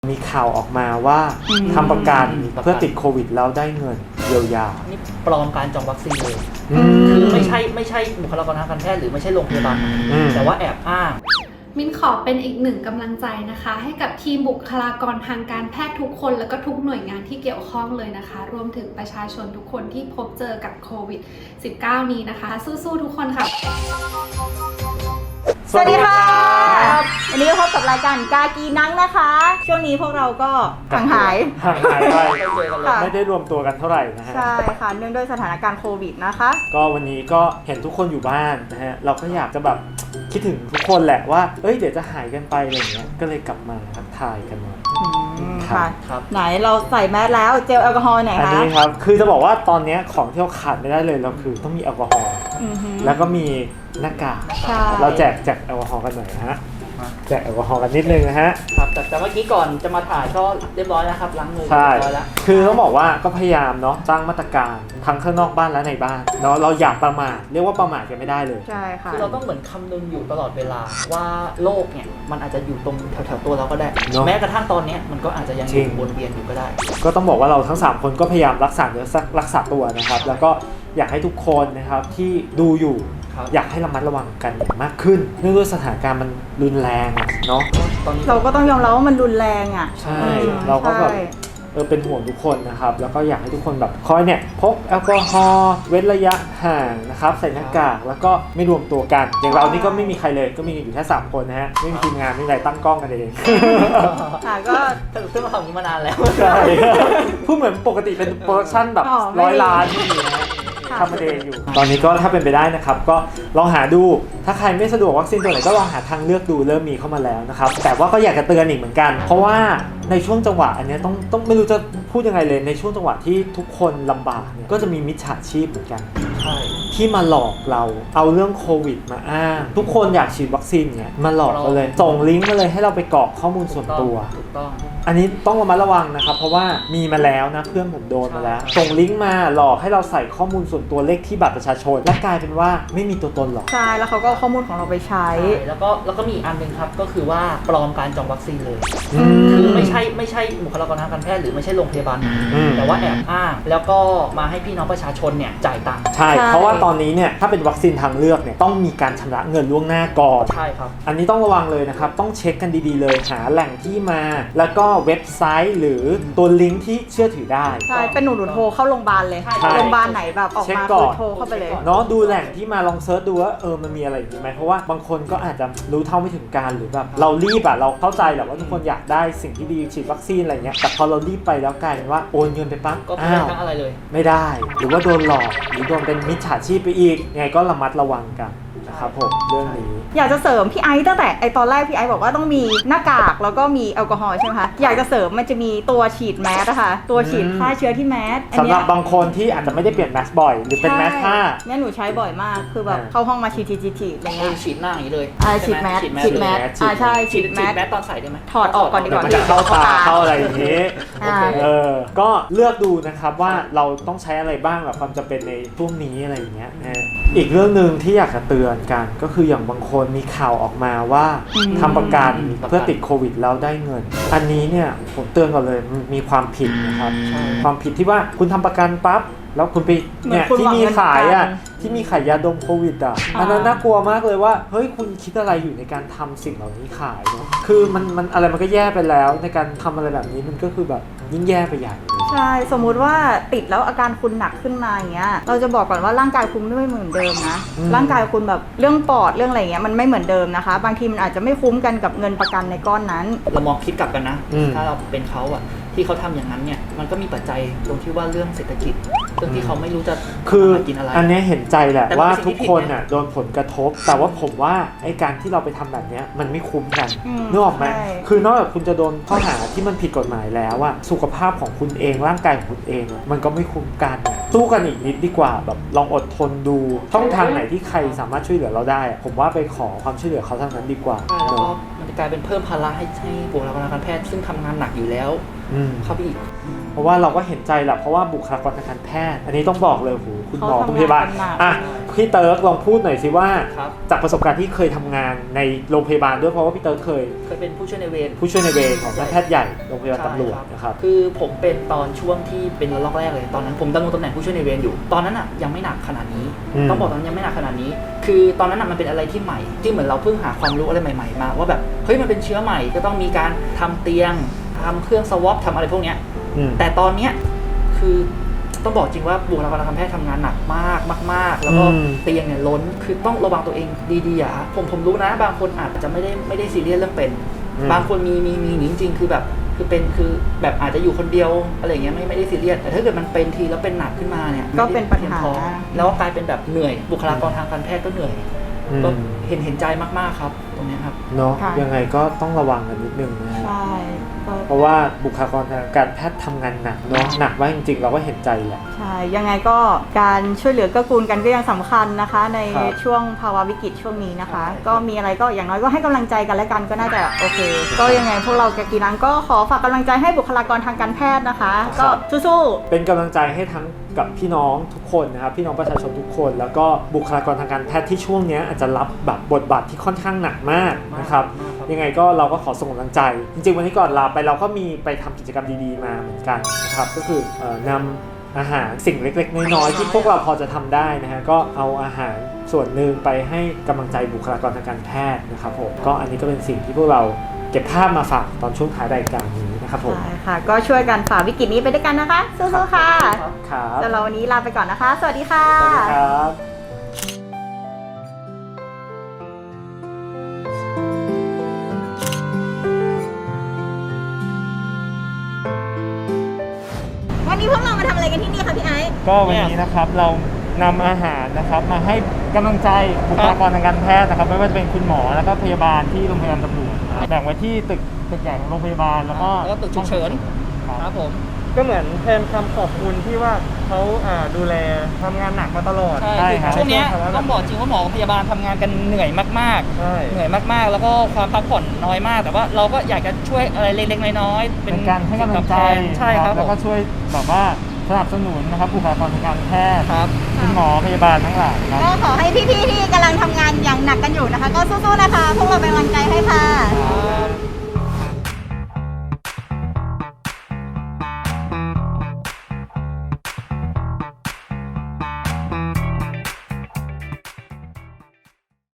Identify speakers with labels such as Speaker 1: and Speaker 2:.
Speaker 1: มีข่าวออกมาว่าทำประกันเพื่อติดโควิดแล้วได้เงินเยียวยา
Speaker 2: นี่ปลอมการจองวัคซีนเลยคือไม่ใช่บุคลากรทางการแพทย์หรือไม่ใช่โรงพยาบาลแต่ว่าแอบอ้าง
Speaker 3: มินขอเป็นอีกหนึ่งกำลังใจนะคะให้กับทีมบุคลากรทางการแพทย์ทุกคนแล้วก็ทุกหน่วยงานที่เกี่ยวข้องเลยนะคะรวมถึงประชาชนทุกคนที่พบเจอกับโควิด -19 นี้นะคะสู้ๆทุกคนค่ะ
Speaker 4: สวัสดีค่ะวันนี้ก็พบกับรายการกากีนังนะคะช่วงนี้พวกเราก็ห่างหาย
Speaker 1: ไปไม่ได้รวมตัวกันเท่าไหร่นะฮะ
Speaker 4: ใช่ค่ะเนื่องด้วยสถานการณ์โควิดนะคะ
Speaker 1: ก็วันนี้ก็เห็นทุกคนอยู่บ้านนะฮะเราก็อยากจะแบบคิดถึงทุกคนแหละว่าเดี๋ยวจะหายกันไปอะไรอย่างเงี้ยก็เลยกลับมาทักทายกันหน่อย
Speaker 4: ค่ะไหนเราใส่แมสแล้วเจลแอลกอฮอล์ไหนคะ
Speaker 1: อันนี้ครับคือจะบอกว่าตอนนี้ของที่เราขาดไม่ได้เลยเราคือต้องมีแอลกอฮอล์แล้วก็มีหน้ากากเราแจกแอลกอฮอล์กันหน่อยนะฮะแจกแอลกอฮอล์กันนิดนึงนะฮะ
Speaker 2: ครับแต่เมื่อกี้ก่อนจะมาถ่ายก็เรียบร้อยแล้วครับล้างมือ
Speaker 1: ใช่
Speaker 2: เรียบร้อยแล้ว
Speaker 1: คือต้องบอกว่าก็พยายามเนาะสร้างมาตรการทั้งข้างนอกบ้านและในบ้านเนาะเราอย่าประมาทเรียกว่าประมาทกันไม่ได้เลย
Speaker 4: ใช่ค่ะ
Speaker 2: คือเราต้องเหมือนคำนึงอยู่ตลอดเวลาว่าโรคเนี่ยมันอาจจะอยู่ตรงแถวๆตัวเราก็ได้แม้กระทั่งตอนนี้มันก็อาจจะยังอยู่วนเวียนอยู่ก็ได้
Speaker 1: ก็ต้องบอกว่าเราทั้ง3คนก็พยายามรักษาเนื้อรักษาตัวนะครับแล้วก็อยากให้ทุกคนนะครับที่ดูอยู่อยากให้ระมัดระวังกันมากขึ้นเนื่องด้วยสถานการณ์มันรุนแรงเนาะ
Speaker 4: เราก็ต้องยอมรับว่ามันรุนแรงอ่ะ
Speaker 1: ใช่เราก็แบบเป็นห่วงทุกคนนะครับแล้วก็อยากให้ทุกคนแบบคอยเนี่ยพกแอลกอฮอล์เว้นระยะห่างนะครับใส่หน้ากากแล้วก็ไม่รวมตัวกันอย่างเรานี่ก็ไม่มีใครเลยก็มีอยู่แค่3คนนะฮะไม่มีทีมงานไม่มีอะไรตั้งกล้องกันเอง
Speaker 4: ค่ะก็
Speaker 2: ซึ่งเราทำอย่างนี้มานานแล้ว
Speaker 1: ใช่พูดเหมือนปกติเป็นโปรดักชั่นแบบ100 ล้านที่มีนะทำมาเองอยู่ตอนนี้ก็ถ้าเป็นไปได้นะครับก็ลองหาดูถ้าใครไม่สะดวกวัคซีนตัวไหนก็ลองหาทางเลือกดูเริ่มมีเข้ามาแล้วนะครับแต่ว่าก็อยากจะเตือนอีกเหมือนกันเพราะว่าในช่วงจังหวะอันนี้ต้องไม่รู้จะพูดยังไงเลยในช่วงจังหวะที่ทุกคนลำบากเนี่ยก็จะมีมิจฉาชีพเหมือนกันที่มาหลอกเราเอาเรื่องโควิดมาอ้างทุกคนอยากฉีดวัคซีนเนี่ยมาหลอกเราเลยส่งลิงก์มาเลยให้เราไปกรอกข้อมูลส่วนตัว
Speaker 2: ถูกต้อง
Speaker 1: อันนี้ต้องระมัดระวังนะครับเพราะว่ามีมาแล้วนะเพื่อนผมโดนมาแล้วส่งลิงก์มาหลอกให้เราใส่ข้อมูลส่วนตัวเลขที่บัตรประชาชนและกลายเป็นว่าไม่มีตัวตนหรอก
Speaker 4: ใช่แล้วเขาก็เอาข้อมูลของเราไปใช้
Speaker 2: แล้วก็มีอีกอันนึงครับก็คือว่าปลอมการจองวัคซีนเลยคือไม่ใช่บุคลากรทางการแพทย์หรือไม่ใช่โรงพยาบาลแต่ว่าแอบอ้างแล้วก็มาให้พี่น้องประชาชนเนี่ยจ่ายตังค์
Speaker 1: ใช่เพราะว่าตอนนี้เนี่ยถ้าเป็นวัคซีนทางเลือกเนี่ยต้องมีการชำระเงินล่วงหน้าก่อน
Speaker 2: ใช่ครับ
Speaker 1: อันนี้ต้องระวังเลยนะครับต้องเช็คกันดีๆเลยหาแหล่งที่มาแล้วก็เว็บไซต์หรือตัวลิงก์ที่เชื่อถือได้
Speaker 4: ใช่เป็นหนูโทรเข้าโรงพยาบาลเลยโรงพยาบาลไหนแบบออกมาโทรเข้าไปเลย
Speaker 1: เนาะดูแหล่งที่มาลองเซิร์ชดูว่ามันมีอะไรอยู่ไหมเพราะว่าบางคนก็อาจจะรู้เท่าไม่ถึงการหรือแบบเรารีบเราเข้าใจแหละว่าทุกคนอยากได้สิ่งที่ดีฉีดวัคซีนอะไรเงี้ยแต่พอเรารีบไปแล้วกลายเป็นว่าโอนเงินไปปั๊บ
Speaker 2: ก็ไม่ได้ทั้งอะไรเลย
Speaker 1: ไม่ได้หรือว่าโดนหลอกหรือโดนเป็นมิจฉาชีพไปอีกไงก็ระมัดระวังกันนะครับผมเรื่องนี้
Speaker 4: อยากจะเสริมพี่ไอซ์ตั้งแต่ตอนแรกพี่ไอซ์บอกว่าต้องมีหน้ากากแล้วก็มีแอลกอฮอล์ใช่ไหมคะอยากจะเสริมมันจะมีตัวฉีดแมสนะคะตัวฉีดฆ่าเชื้อที่แมส
Speaker 1: สำหรับบางคนที่อาจจะไม่ได้เปลี่ยนแมสบ่อยหรือเป็นแมสผ้า
Speaker 4: เนี่ยหนูใช้บ่อยมากคือแบบเข้าห้องมาฉีดอะไรเงี้ย
Speaker 2: ฉีดหน้าอย่างนี้เลย
Speaker 4: ฉีดแมสใช่ฉีดแมส
Speaker 2: ตอนใส่ได้ไหม
Speaker 4: ถอดออกก่อนดีกว่า
Speaker 1: มันจะเข้าตาเข้าอะไรอย่างนี้ก็เลือกดูนะครับว่าเราต้องใช้อะไรบ้างแบบความจำเป็นในช่วงนี้อะไรอย่างเงี้ยอีกเรื่องนึงที่อยากจะเตือนกันก็คืออย่างบางคนมีข่าวออกมาว่าทำประกันเพื่อติดโควิดแล้วได้เงินอันนี้เนี่ยผมเตือนก่อนเลยมีความผิดนะครับความผิดที่ว่าคุณทำประกันปั๊บแล้วคุณไปเนี่ยที่มีขายที่มีขายยาดมโควิดอันนั้นน่ากลัวมากเลยว่าเฮ้ยคุณคิดอะไรอยู่ในการทำสิ่งเหล่านี้ขายเนาะคือมันอะไรมันก็แย่ไปแล้วในการทำอะไรแบบนี้มันก็คือแบบยิ่งแย่ไปใหญ่
Speaker 4: ใช่สมมุติว่าติดแล้วอาการคุณหนักขึ้นมาอย่างเงี้ยเราจะบอกก่อนว่าร่างกายคุณไม่เหมือนเดิมนะร่างกายคุณแบบเรื่องปอดเรื่องอะไรเงี้ยมันไม่เหมือนเดิมนะคะบางทีมันอาจจะไม่คุ้มกันกับเงินประกันในก้อนนั้น
Speaker 2: เรามองคิดกลับกันนะถ้าเราเป็นเขาที่เขาทำอย่างนั้นเนี่ยมันก็มีปัจจัยตรงที่ว่าเรื่องเศรษฐกิจเรื่องที่เขาไม่รู้จะกินอะไร
Speaker 1: อันนี้เห็นใจแหละว่าทุกคนโดนผลกระทบแต่ว่าผมว่าไอ้การที่เราไปทำแบบนี้มันไม่คุ้มกันนึกออกไหมคือนอกจากคุณจะโดนข้อหาที่มันผิดกฎหมายแล้วสุขภาพของคุณเองร่างกายของคุณเองมันก็ไม่คุ้มกันสู้กันอีกนิดดีกว่าแบบลองอดทนดูช่องทางไหนที่ใครสามารถช่วยเหลือเราได้ผมว่าไปขอความช่วยเหลือเขาทางนั้นดีกว่า
Speaker 2: แล้วก็มันจะกลายเป็นเพิ่มภาระให้บุคลากรทางการแพทย์ซึ่งทำงานหนักอยู่แล้วเข้าไปอีก
Speaker 1: เพราะว่าเราก็เห็นใจแหละเพราะว่าบุคลากรทางการแพทย์อันนี้ต้องบอกเลยคุณหมอคุณพยาบาลพี่เติร์กลองพูดหน่อยสิว่า
Speaker 2: ครับ
Speaker 1: จากประสบการณ์ที่เคยทำงานในโรงพยาบาลด้วยเพราะว่าพี่เติร์กเคย
Speaker 2: เป็นผู้ช่วยในเวร
Speaker 1: ผู้ช่วยในเวรของแพทย์ใหญ่โรงพยาบาลตำรวจนะครับ
Speaker 2: คือผมเป็นตอนช่วงที่เป็นระลอกแรกเลยตอนนั้นผมดำรงตำแหน่งผู้ช่วยในเวรอยู่ตอนนั้นอ่ะยังไม่หนักขนาดนี้ต้องบอกตอนนั้นยังไม่หนักขนาดนี้ คือตอนนั้นอ่ะมันเป็นอะไรที่ใหม่ที่เหมือนเราเพิ่งหาความรู้อะไรใหม่ๆมาว่าแบบเฮ้ยมันเป็นเชื้อใหม่ก็ต้องมีการทำเตียงทำเครื่องสวอปทำอะไรพวกเนี้ยแต่ตอนเนี้ยคือต้องบอกจริงว่าบุคลากรทางการแพทย์ทำงานหนักมากมากๆแล้วก็เตียงเนี่ยล้นคือต้องระวังตัวเองดีๆอ่ะผมรู้นะบางคนอาจจะไม่ได้ซีเรียสเรื่องเป็นบางคนมีจริงๆคือแบบคือแบบอาจจะอยู่คนเดียวอะไรเงี้ยไม่ได้ซีเรียสแต่ถ้าเกิดมันเป็นทีแล้วเป็นหนักขึ้นมาเนี่ย
Speaker 4: ก็เป็นปัญหา
Speaker 2: แล้วกลายเป็นแบบเหนื่อยบุคลากรทางการแพทย์ก็เหนื่อยก็เห็นใจมากๆครับตรงนี้ครับ
Speaker 1: เนาะยังไงก็ต้องระวังกันนิดนึงนะ
Speaker 4: ใช่
Speaker 1: เพราะว่าบุคลากรทางการแพทย์ทำงานหนักเนาะหนักมากจริงๆเราก็เห็นใจแหละ
Speaker 4: ใช่ยังไงก็การช่วยเหลือเกื้อกูลกันก็ยังสำคัญนะคะ ใน
Speaker 1: ครับ
Speaker 4: ช่วงภาวะวิกฤตช่วงนี้นะคะ ก็มีอะไรก็อย่างน้อยก็ให้กำลังใจกันและกันก็น่าจะโอเค ก็ยังไงพวกเราแกกีนังก็ขอฝากกำลังใจให้บุคลากรทางการแพทย์นะคะ ก็สู้ๆ
Speaker 1: เป็นกำลังใจให้ทั้งกับพี่น้องทุกคนนะครับพี่น้องประชาชนทุกคนแล้วก็บุคลากรทางการแพทย์ที่ช่วงนี้อาจจะรับแบบบทบาทที่ค่อนข้างหนักมากนะครับยังไงก็เราก็ขอส่งกำลังใจ จริงๆวันนี้ก่อนลาไปเราก็มีไปทำกิจกรรมดีๆมาเหมือนกันนะครับก็คือนำอาหารสิ่งเล็กๆน้อยๆที่พวกเราพอจะทำได้นะฮะก็เอาอาหารส่วนหนึ่งไปให้กำลังใจบุคลากรทางการแพทย์นะครับผมก็อันนี้ก็เป็นสิ่งที่พวกเราเก็บภาพมาฝากตอนช่วงท้ายรายการนี้นะครับผม
Speaker 4: ใช่ค่ะ ก็ช่วยกันฝ่าวิกฤตนี้ไปด้วยกันนะคะ สู้ๆค่ะ
Speaker 1: ครับ
Speaker 4: สำหรับวันนี้ลาไปก่อนนะคะ สวัสดีค่ะ
Speaker 1: สวัสดีครับ
Speaker 4: วันนี้พวกเรามาทำอะไรกันที่นี่คะพี่ไอซ์
Speaker 1: ก็วันนี้นะครับเรานำอาหารนะครับมาให้กำลังใจบุคลากรทางการแพทย์นะครับไม่ว่าจะเป็นคุณหมอแล้วก็พยาบาลที่โรงพยาบาลตำรวจนะครับแบ่งไว้ที่ตึกใหญ่ของโรงพยาบาลแล้วก็
Speaker 2: ตึกฉุกเฉิน ครับผม
Speaker 5: ก็เหมือนแทนคำขอบคุณที่ว่าเขาดูแลทำงานหนักมาตลอด
Speaker 2: ใช่
Speaker 1: ครับ
Speaker 2: ช่วงเนี้ยต้องบอกจริงว่าหมอกับพยาบาลทำงานกันเหนื่อยมาก
Speaker 5: ใช่
Speaker 2: ๆเหนื่อยมากๆ แล้วก็ความพักผ่อนน้อยมาก แต่ว่าเราก็อยากจะช่วยอะไรเล็กๆน้อยๆ
Speaker 1: เป็นการให้กำลังใจ
Speaker 2: ใช่ครับ
Speaker 1: แล้วก็ช่วยแบบว่าสนับสนุนนะครับบุคลากรทางการแพทย์
Speaker 2: ครับ
Speaker 1: คุณหมอพยาบาลทั้งหลายครับ
Speaker 4: ก็ขอให้พี่ๆที่กำลังทำงานอย่างหนักกันอยู่นะคะ ก็สู้ๆนะคะ พวกเราเป็นกำลังใจให้ค่ะ
Speaker 2: ครับ